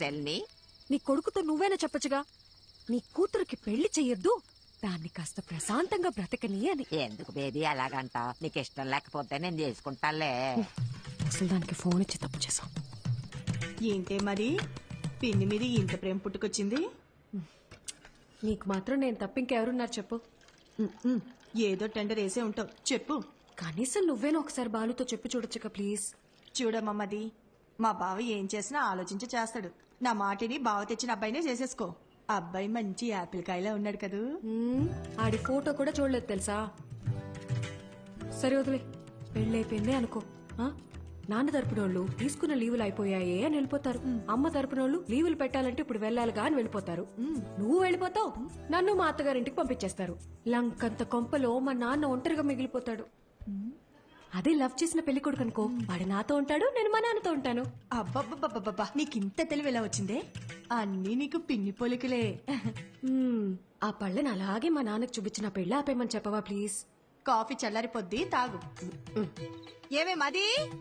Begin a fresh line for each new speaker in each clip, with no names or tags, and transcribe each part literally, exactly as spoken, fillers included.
చెల్లి?
నీ కొడుకుతో నువ్వేనా చెప్పచ్చుగా, నీ కూతురికి పెళ్లి చెయ్యొద్దు, దాన్ని కాస్త ప్రశాంతంగా బ్రతకని అని.
ఎందుకు బేబీ అలాగంట? నీకు ఇష్టం లేకపోతే నేను చేసుకుంటాలే.
అసలు దానికి ఫోన్ ఇచ్చి తప్పు చేసాం.
ఏంటే మరి పిన్ని మీద ఇంత ప్రేమ పుట్టుకొచ్చింది?
నీకు మాత్రం నేను తప్ప ఇంకెవరున్నారు చెప్పు?
ఏదో టెండర్ వేసే ఉంటావు, చెప్పు.
కనీసం నువ్వేనా ఒకసారి బాలుతో చెప్పి చూడొచ్చుగా ప్లీజ్.
చూడమ్మది, మా బావ ఏం చేసినా ఆలోచించి చేస్తాడు. నా మాటిని బావ తెచ్చిన అబ్బాయినే చేసేసుకో. అబ్బాయి మంచి యాపిల్ కాయలా ఉన్నాడు కదూ.
ఆడి ఫోటో కూడా చూడలేదు తెలుసా. సరే వదిలే, పెళ్ళైపోయింది అనుకో. నాన్న తరపునోళ్ళు తీసుకున్న లీవులు అయిపోయాయే అని వెళ్ళిపోతారు. అమ్మ తరపునోళ్ళు లీవులు పెట్టాలంటే ఇప్పుడు వెళ్ళాలిగా అని వెళ్ళిపోతారు. నువ్వు వెళ్ళిపోతావు, నన్ను మా అత్తగారింటికి పంపించేస్తారు. లంకంత కొంపలో మా నాన్న ఒంటరిగా మిగిలిపోతాడు. అదే లవ్ చేసిన పెళ్లి కొడుకు అనుకో, వాడు నాతో ఉంటాడు, నేను మా నాన్నతో ఉంటాను.
అబ్బబ్బబ్బబ్బబ్బా, నీకింత తెలివి ఎలా వచ్చిందే? అన్నీ నీకు పిన్ని పోలికలే.
ఆ పళ్ళని అలాగే మా నాన్నకు చూపించిన పెళ్ళి ఆపేయమని చెప్పవా ప్లీజ్?
కాఫీ చల్లారిపోద్ది, తాగు. ఏమే మది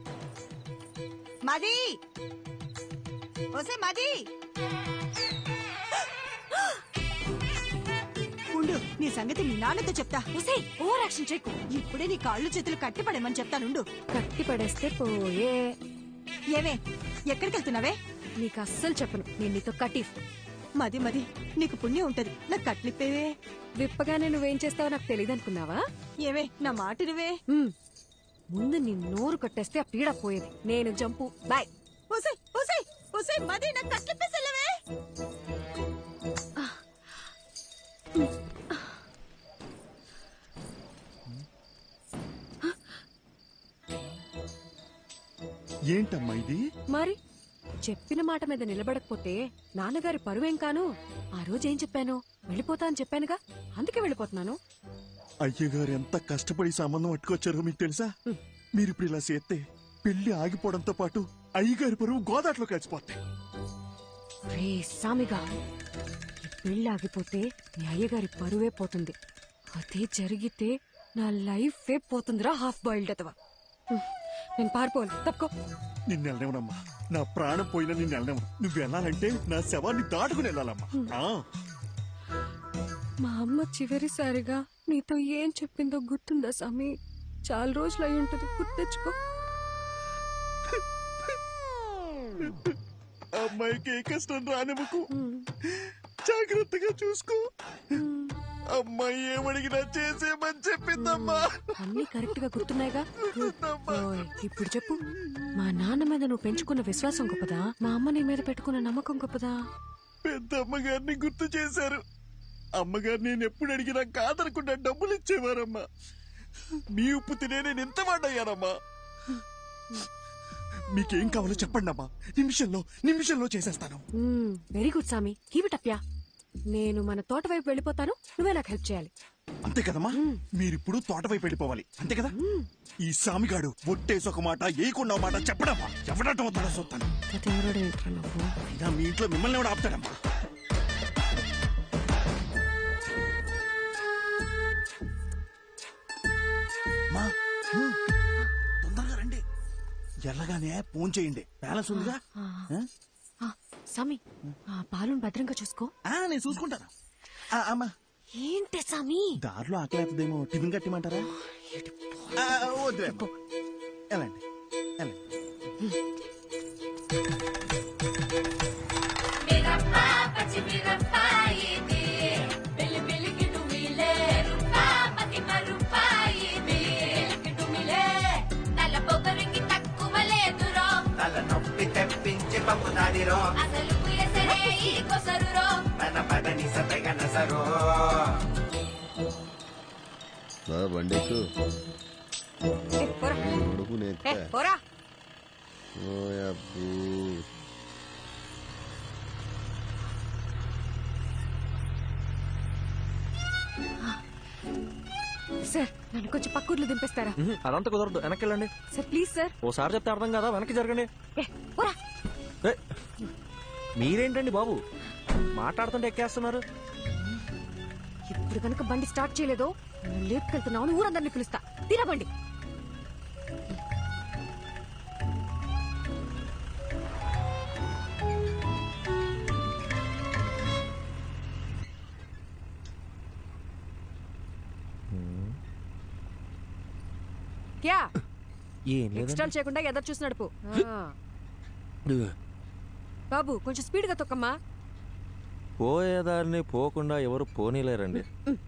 మది ఓసే మది, ఉండు, నీ సంగతి మీ నాన్నతో చెప్తా.
ఓసే ఓవర్ యాక్షన్ చేయకు.
ఇప్పుడే నీ కాళ్ళు చేతులు కట్టి పడేమని చెప్తానుండు.
కట్టి పడేస్తే పోయే.
ఏమే ఎక్కడికి వెళ్తున్నావే?
నీకు అస్సలు చెప్పను, నేను నీతో కటీఫ్.
మది మది, నీకు పుణ్యం ఉంటది, నాకు కట్లిప్పేవే.
విప్పగానే నువ్వేం చేస్తావో నాకు తెలియదు అనుకున్నావా?
ఏవే నా మాట నువ్వే.
ముందు నీ నోరు కట్టేస్తే ఆ పీడ పోయేది. నేను జంపు, బాయ్.
ఓసే ఓసే ఓసే మది, నాకు కట్లిప్పేసెళ్ళవే.
ఏంటమ్మా ఇది?
మరి చెప్పిన మాట మీద నిలబడకపోతే నాన్నగారి పరువేం కాను. ఆ రోజు ఏం చెప్పాను? వెళ్ళిపోతా అని చెప్పానుగా, అందుకే వెళ్ళిపోతున్నాను.
అయ్యగారు ఎంత కష్టపడి సంబంధం పట్టుకొచ్చారో మీకు తెలుసా? మీరిప్పుడు ఇలా చేస్తే పెళ్లి ఆగిపోవడంతో పాటు అయ్యగారి పరువు గోదాట్లో కలిసిపోతాయి.
రే సామిగా, ఈ పెళ్లి ఆగిపోతే నీ అయ్యగారి పరువే పోతుంది. అదే జరిగితే నా లైఫ్ ఏ పోతుందిరా, హాఫ్ బాయిల్డ్ అతవా. నేను పారిపోవాలి, తప్పుకో.
నిన్ను వెళ్ళనివ్వనమ్మా, నా ప్రాణం పోయినా నిన్ను వెళ్ళనివ్వను. నువ్వు వెళ్ళాలంటే నా శవాన్ని దాటుకుని వెళ్ళాలమ్మా.
మా అమ్మ చివరిసారిగా నీతో ఏం చెప్పిందో గుర్తుందా సామి? చాలా రోజులు అయి ఉంటది, గుర్తెచ్చుకో.
అమ్మాయికి ఏ కష్టం రానివ్వకు, జాగ్రత్తగా చూసుకో. అమ్మాయి ఏమడిగినా చేసేమని చెప్పిందమ్మా.
అన్ని కరెక్ట్ గా గుర్తున్నాయిగా. ఇప్పుడు చెప్పు, మా నాన్న మీద నువ్వు పెంచుకున్న విశ్వాసం గొప్పదా, మా అమ్మ నీ మీద పెట్టుకున్న నమ్మకం గొప్పదా?
పెద్ద అమ్మగారిని గుర్తు చేశారు. అమ్మగారు నేను ఎప్పుడు అడిగినా కాదనకుండా డబ్బులు ఇచ్చేవారమ్మా. మీ ఉప్పు తినే నేను ఎంత వాడయ్యానమ్మా. మీకేం కావాలో చెప్పండి అమ్మా, నిమిషంలో నిమిషంలో చేసేస్తాను.
వెరీ గుడ్ సామి, కీప్ ఇట్ అప్ యా. నేను మన తోట వైపు వెళ్ళిపోతాను, నువ్వే నాకు హెల్ప్ చేయాలి.
అంతే కదమ్మా, మీరిప్పుడు తోట వైపు వెళ్ళిపోవాలి, అంతే కదా? ఈ సామిగాడు ఒట్టేసి ఒక మాట ఏకుండా మాట చెప్పడమ్మా, ఎవడటం అవుతాడో చూస్తాను. అయినా మీ ఇంట్లో మిమ్మల్ని ఎవడు ఆపుతాడమ్మా? తొందరగా రండి, ఎల్లగానే ఫోన్ చేయండి, బ్యాలెన్స్ ఉందిగా.
సామి, పాలను భద్రంగా చూసుకో.
నేను చూసుకుంటాను. అమ్మా
ఏంటి సామి,
దారిలో ఆకలి అవుతుందేమో, టిఫిన్ కట్టిమంటారా? వద్దులే, వెళ్ళండి వెళ్ళండి.
బండికు
సార్, నన్ను కొంచెం పక్కూర్లు దింపేస్తారా?
అదంతా కుదరదు, వెనక్కి వెళ్ళండి.
Sir please sir.
ఓసారి చెప్తే అర్థం కదా, వెనక్కి జరగండి. మీరేంటండి బాబు మాట్లాడుతుంటే ఎక్కేస్తున్నారు?
ఇప్పుడు కనుక బండి స్టార్ట్ చేయలేదో లేపుకెళ్తున్నావు, ఊరందరినీ పిలుస్తా. తినబండి. క్యా
ఏం లేదు
ఎక్స్ట్రా చేయకుండా ఎదరు చూసి నడుపు ఆ. బాబు కొంచెం స్పీడ్ గా తొక్కమ్మా.
పోయేదారిని పోకుండా ఎవరు పోనీలేరండి.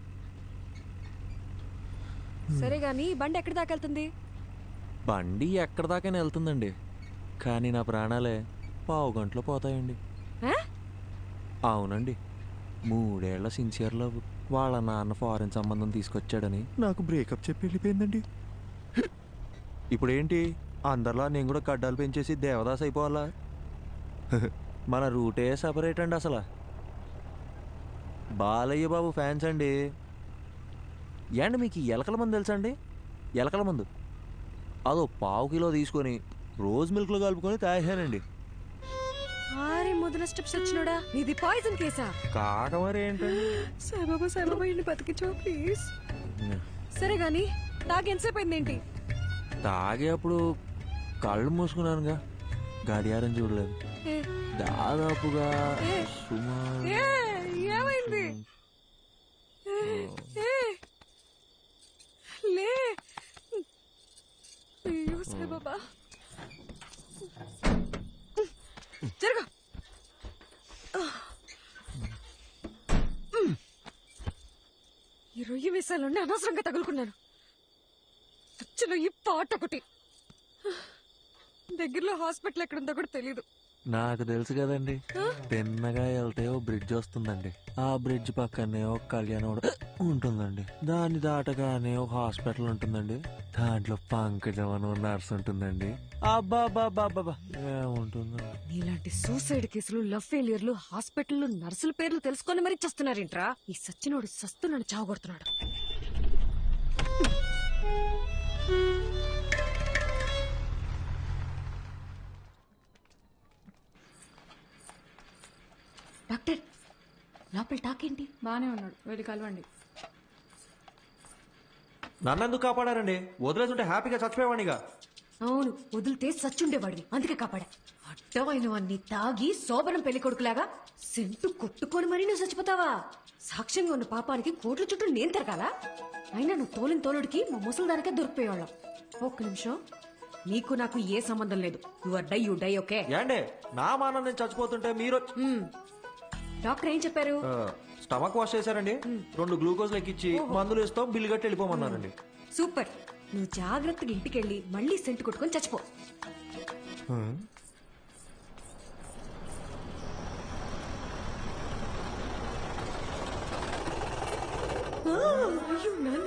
సరే గాని బండి ఎక్కడి దాకా వెళ్తుంది?
బండి ఎక్కడ దాకా వెళ్తుందండి, కానీ నా ప్రాణాలే పావు గంటలో పోతాయండి.
ఆ?
అవునండి, మూడేళ్ల సిన్సియర్ లవ్ వాళ్ళ నాన్న ఫారెన్ సంబంధం తీసుకొచ్చాడని నాకు బ్రేకప్ చెప్పి వెళ్ళిపోయిందండి. ఇప్పుడేంటి అందరిలా నేను కూడా గడ్డాలు పెంచేసి దేవదాస్ అయిపోవాలా? మన రూటే సపరేట్ అండి. అసలు బాలయ్య బాబు ఫ్యాన్స్ అండి. ఏండి మీకు ఎలకల మందు తెలుసా అండి? ఎలకల మందు అదో పావు కిలో తీసుకొని రోజ్ మిల్క్లో కలుపుకొని తాగానండి.
ఆరే మొదల స్టెప్స్ వచ్చినోడా, ఇది పాయిజన్ కేసా?
కాక మరి ఏంటండి?
సాయిబాబా సాయిబాబా ఇంటి బతికించో ప్లీజ్. సరే గాని తాగి ఎంతసేపు అయిందేంటి?
తాగే అప్పుడు కళ్ళు మూసుకున్నానుగా, గడియారం చూడలేదు.
ఏ,
దాదాపుగా
ఏ,
సుమారు
ఏ, ఏమైంది? ఏ, ఏ, లే. అయ్యో సాయిబాబా, జరగ. ఈ రొయ్యి వేసాలండి అనవసరంగా తగులుకున్నాను. చచ్చిన ఈ పాట ఒకటి. దగ్గరలో హాస్పిటల్ ఎక్కడుందో కూడా తెలీదు.
నాకు తెలుసు కదండి, తిన్నగా వెళ్తే ఓ బ్రిడ్జ్ వస్తుందండి. ఆ బ్రిడ్జ్ పక్కనే ఒక కళ్యాణం ఉంటుందండి. దాన్ని దాటగానే ఒక హాస్పిటల్ ఉంటుందండి. దాంట్లో పంకజం అని నర్స్ ఉంటుందండి. అబ్బా బాబా బాబా ఏముంటుందండి.
నీలాంటి సూసైడ్ కేసులు, లవ్ ఫెయిలియర్లు, హాస్పిటల్ నర్సుల పేర్లు తెలుసుకొని మరీ చస్తున్నారేంట్రా? ఈ సచ్చినోడు సస్తున్నాడు, చావగొడుతున్నాడు. డాక్టర్, లోపల టాకేంటి?
బానే ఉన్నాడు, వెళ్ళి కలవండి.
నన్నెందుకు కాపాడారండి? వదిలేసుంటే హ్యాపీగా చచ్చిపోయేవాడిగా.
అవును, వదిలితే సచ్చుండేవాడివి, అందుకే కాపాడా. అడ్డమైన వాడిని తాగి శోభనం పెళ్లి కొడుకులాగా సెంటు కొట్టుకొని మరీ నువ్వు చచ్చిపోతావా? సాక్ష్యంగా ఉన్న పాపానికి కోట్ల చుట్టూ నేను తిరగాలా? అయినా నువ్వు తోలిన తోలుడికి మా ముసలిదానికే దొరికిపోయేవాళ్ళం. ఒక్క నిమిషం, నీకు నాకు ఏ సంబంధం లేదు. You are die, you die, okay?
ఏండే నా మానం నేను చచ్చిపోతుంటే మీరు
డాక్టర్ ఏం చెప్పారు?
స్టమక్ వాష్ చేశారండి, రెండు గ్లూకోజ్ లెక్కిచ్చి మందులు ఇస్తాం, బిల్లు కట్టి వెళ్ళిపోమన్నారండి.
సూపర్. నువ్వు జాగ్రత్తగా ఇంటికెళ్ళి మళ్ళీ సెంటు కొట్టుకొని చచ్చిపో. ఆ, అయ్యో నాన్న.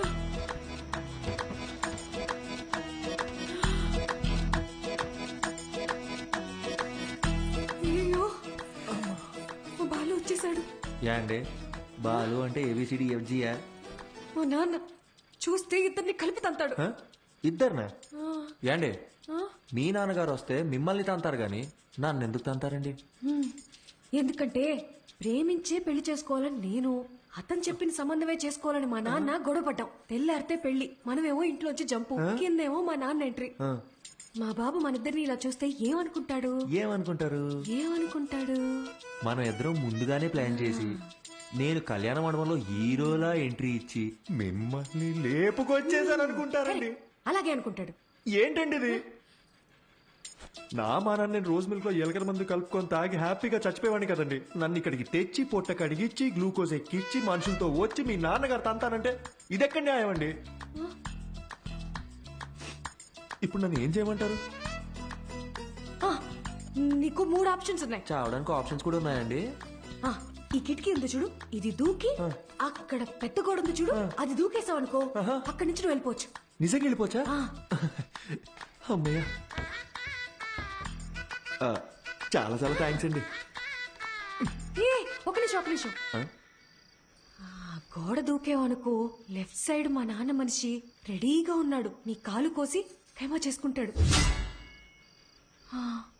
అయ్యో, మా బాలు వచ్చేసాడు.
ఏండి బాలు అంటే ఏబిసిడి ఎఫ్జియా?
మా నాన్న చూస్తే ఇద్దరిని కలిపి తంతాడు.
ఇద్దరునా?
ఆ,
ఏండి
ఆ.
మీ నాన్నగారు వస్తే మిమ్మల్ని తంతారు గాని నన్ను ఎందుకు తంతారండి?
హ్మ్. ఎందుకంటే ప్రేమించే పెళ్లి చేసుకోవాలని నేను, అతను చెప్పిన సంబంధమే చేసుకోవాలని మా నాన్న గొడవపడ్డాం. తెల్లారితే పెళ్లి, మనమేమో ఇంట్లోంచి జంపు, కిందేమో మా నాన్న ఎంట్రీ.
ఆ,
మా బాబు మన ఇద్దరిని ఇలా చూస్తే ఏమనుకుంటాడు?
ఏమనుకుంటారు?
ఏమనుకుంటాడు?
మనం ఇద్దరం ముందుగానే ప్లాన్ చేసి నేను కళ్యాణ మండపంలో హీరోలా ఎంట్రీ ఇచ్చి మిమ్మల్ని లేపుకొచ్చేసాను అనుకుంటారండి.
అలాగే అనుకుంటాడు.
ఏంటండి ఇది? నా మానాన్ని నేను రోజు మిల్క్ లో ఎలకల మందు కలుపుకొని తాగి హ్యాపీగా చచ్చిపోయేవాడిని కదండి. నన్ను ఇక్కడికి తెచ్చి పొట్ట కడిగిచ్చి గ్లూకోజ్ ఎక్కిచ్చి మనుషులతో వచ్చి మీ నాన్నగారు తంతానంటే ఇదెక్కడ న్యాయం అండి? ఇప్పుడు నన్ను ఏం చేయమంటారు?
ఆ, నీకు మూడు ఆప్షన్స్ ఉన్నాయి.
చావడానికి ఆప్షన్స్ కూడా ఉన్నాయండి.
ఆ, ఈ కిటికీ ఉంది చూడు, ఇది దూకి అక్కడ పెద్ద గోడ ఉంది చూడు, అది దూకేసావు అనుకో, అక్కడి నుంచి నువ్వు వెళ్ళిపోవచ్చు.
నిజంగా వెళ్ళిపోవచ్చా?
ఆ.
అమ్మయ్య, ఆ, చాలా చాలా థ్యాంక్స్ అండి.
ఏ, ఒక నిమిషం ఒక నిమిషం.
ఆ?
ఆ, గోడ దూకేవనుకో, లెఫ్ట్ సైడ్ మా నాన్న మనిషి రెడీగా ఉన్నాడు, నీ కాలు కోసి ఖైమా చేసుకుంటాడు. ఆ,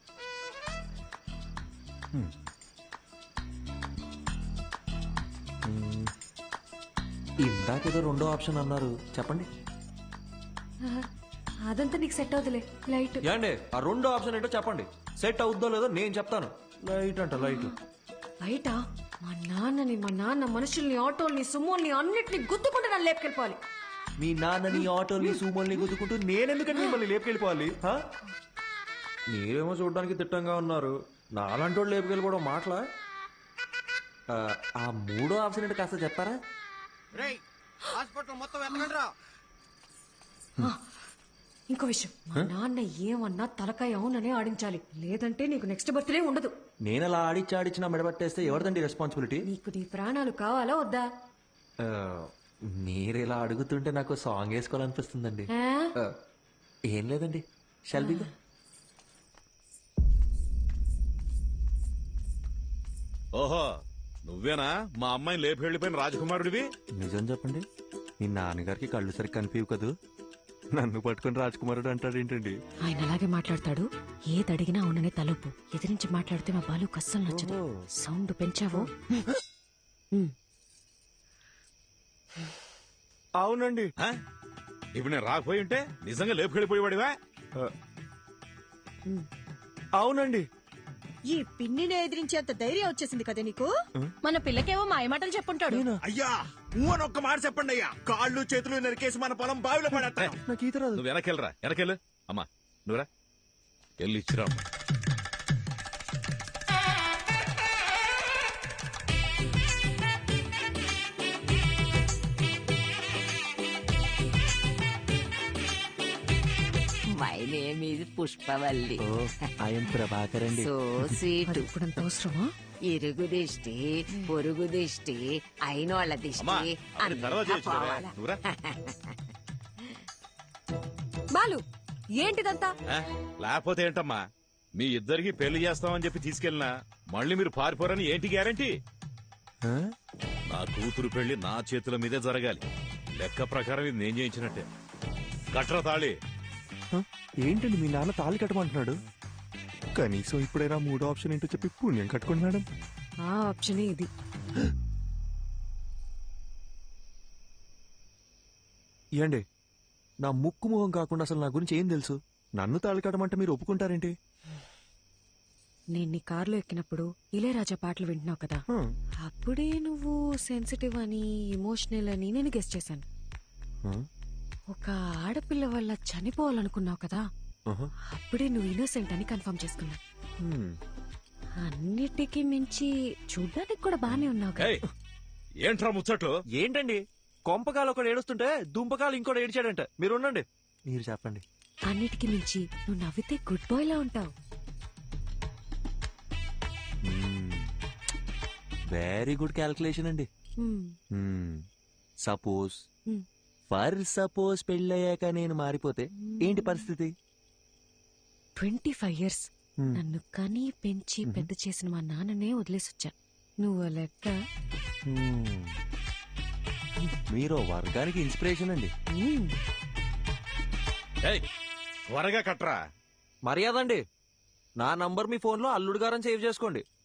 ఇందాకేదో రెండో ఆప్షన్ అన్నారు, చెప్పండి.
ఆ, అదంతా నీకు సెట్ అవుతులే. లైట్
ఏండి ఆ రెండో ఆప్షన్ ఏంటో చెప్పండి. సెట్ అవుద్దో లేదో నేను చెప్తాను. లైట్ అంట లైట్.
బయట మా నాన్నని, మా నాన్న మనుషుల్ని, ఆటోల్ని, సుమోల్ని అన్నిటిని గుద్దుకుంటే నన్ను లేపుకెళ్ళిపోవాలి.
మీ నాన్నని ఆటోని సూమోల్ని గుద్దుకుంటూ నేనెందుకంటే మిమ్మల్ని లేపుకెళ్ళిపోవాలి హా? మీరేమో చూడడానికి తిట్టంగా ఉన్నారు నాలాంటి వాళ్ళు లేపుకెళ్ళిపోవడం మాటలా ఆ, ఆ మూడో ఆప్షన్ ఏంటో కాస్త చెప్తారా
హాస్పిటల్ మొత్తం వెళ్ళండిరా.
ఇంకో విషయం మా నాన్న ఏమన్నా తలకాయ అవుననే ఆడించాలి లేదంటే నీకు నెక్స్ట్ బర్త్డే ఉండదు.
నేను అలా ఆడిచ్చి ఆడిచ్చిన మెడబట్టేస్తే ఎవరిదండి రెస్పాన్సిబిలిటీ
నీకు నీ ప్రాణాలు కావాలా వద్దా?
మీరు ఇలా అడుగుతుంటే నాకు సాంగ్ వేసుకోవాలనిపిస్తుందండి
ఆ?
ఆ, ఏం లేదండి షల్బిగా
ఓహో నువ్వేనా మా అమ్మాయిని లేపి వెళ్ళిపోయిన రాజకుమారుడివి?
నిజం చెప్పండి మీ నాన్నగారికి కళ్ళు సరిగ్గా కనిపించవు కదూ నన్ను పట్టుకుని రాజకుమారుడు అంటాడు ఏంటండి
ఆయన అలాగే మాట్లాడతాడు. ఏది అడిగినా అవుననే తలుపు ఎదిరించి మాట్లాడితే మా బాలు కస్సలు నచ్చదు. సౌండ్ పెంచావో
అవునండి
ఆ? ఇప్పుడు నేను రాకపోయి ఉంటే నిజంగా లేపు వెళ్ళిపోయేవాడివా?
అవునండి
ఈ పిన్నిని ఎదిరించేంత ధైర్యం వచ్చేసింది కదా నీకు.
మన పిల్లకేవో మాయమాటలు చెప్పుంటాడు.
అయ్యా ఊ అని ఒక్క మాట చెప్పండి అయ్యా. కాళ్ళు చేతులు నరికేసి మన పొలం బావిలో పడేస్తాను.
నాకు ఈత రాదు
నువ్వు వెనకెళ్ళరా వెనకెళ్ళు. అమ్మా నువ్వురా వెళ్ళి ఇచ్చిరా అమ్మా.
My name is Pushpavalli.
Oh I'm Prabhakar అండి
సో స్వీట్.
ఇప్పుడంత అవసరమా?
ఇరుగు దిష్టి పొరుగు దిష్టి అయినోళ్ళ
అమ్మా
దిష్టి
అవన్నీ తర్వాత
అంతా
చేయొచ్చులే.
పోవాలా?
నువ్వురా.
బాలు ఏంటిదంతా?
ఆ? లేకపోతే ఏంటమ్మా మీ ఇద్దరికి పెళ్లి చేస్తామని చెప్పి తీసుకెళ్ళినా మళ్ళీ మీరు పారిపోరని ఏంటి గ్యారంటీ?
ఆ?
నా కూతురు పెళ్లి నా చేతుల మీదే జరగాలి. లెక్క ప్రకారం ఇది నేను చేయించినట్టే. కట్ర తాళి.
ఆ? ఏంటండి మీ నాన్న తాళి కట్టమంటున్నాడు కనీసం ఇప్పుడైనా మూడో ఆప్షన్ ఏంటో చెప్పి పుణ్యం కట్టుకోండి మేడం.
ఆ ఆప్షనే ఇది.
ఏండి నా ముక్కు ముఖం కాకుండా అసలు నా గురించి ఏం తెలుసు? నన్ను తాళి కట్టమంటే మీరు ఒప్పుకుంటారేంటి?
నేను నీ కారులో ఎక్కినప్పుడు ఇళయరాజా పాటలు వింటున్నావు కదా,
ఆ.
అప్పుడే నువ్వు సెన్సిటివ్ అని ఇమోషనల్ అని నేను గెస్ చేశాను.
ఆ?
ఒక ఆడపిల్ల వల్ల చనిపోవాలనుకున్నావు కదా,
ఆహా.
అప్పుడే నువ్వు ఇన్నోసెంట్ అని కన్ఫర్మ్ చేసుకున్నా.
హ్మ్.
అన్నిటికీ మించి చూడ్డానికి కూడా బానే ఉన్నావు కదా.
ఏయ్, ఏంట్రా ముచ్చట్లు?
ఏంటండి కొంపకాలు ఒకడు ఏడుస్తుంటే దుంపకాలు ఇంకోటి ఏడిచాడంట. మీరు ఉండండి మీరు చెప్పండి.
అన్నిటికీ మించి నువ్వు నవ్వితే గుడ్ బాయ్ లా ఉంటావు.
వెరీ గుడ్ క్యాల్కులేషన్ అండి.
హ్మ్.
Suppose
Hmm.
ఫర్ సపోజ్ పెళ్ళయ్యాక నేను మారిపోతే ఏంటి పరిస్థితి?
Twenty five years
Hmm.
నన్ను కని పెంచి పెద్ద చేసిన మా నాన్ననే వదిలేసొచ్చా. నువ్వు లెక్క.
Hmm. మీరు వర్గానికి ఇన్స్పిరేషన్ అండి.
హ్మ్.
ఏయ్, త్వరగా కట్రా.
మర్యాద అండి. నా నంబర్ మీ ఫోన్ లో అల్లుడు గారని సేవ్ చేసుకోండి.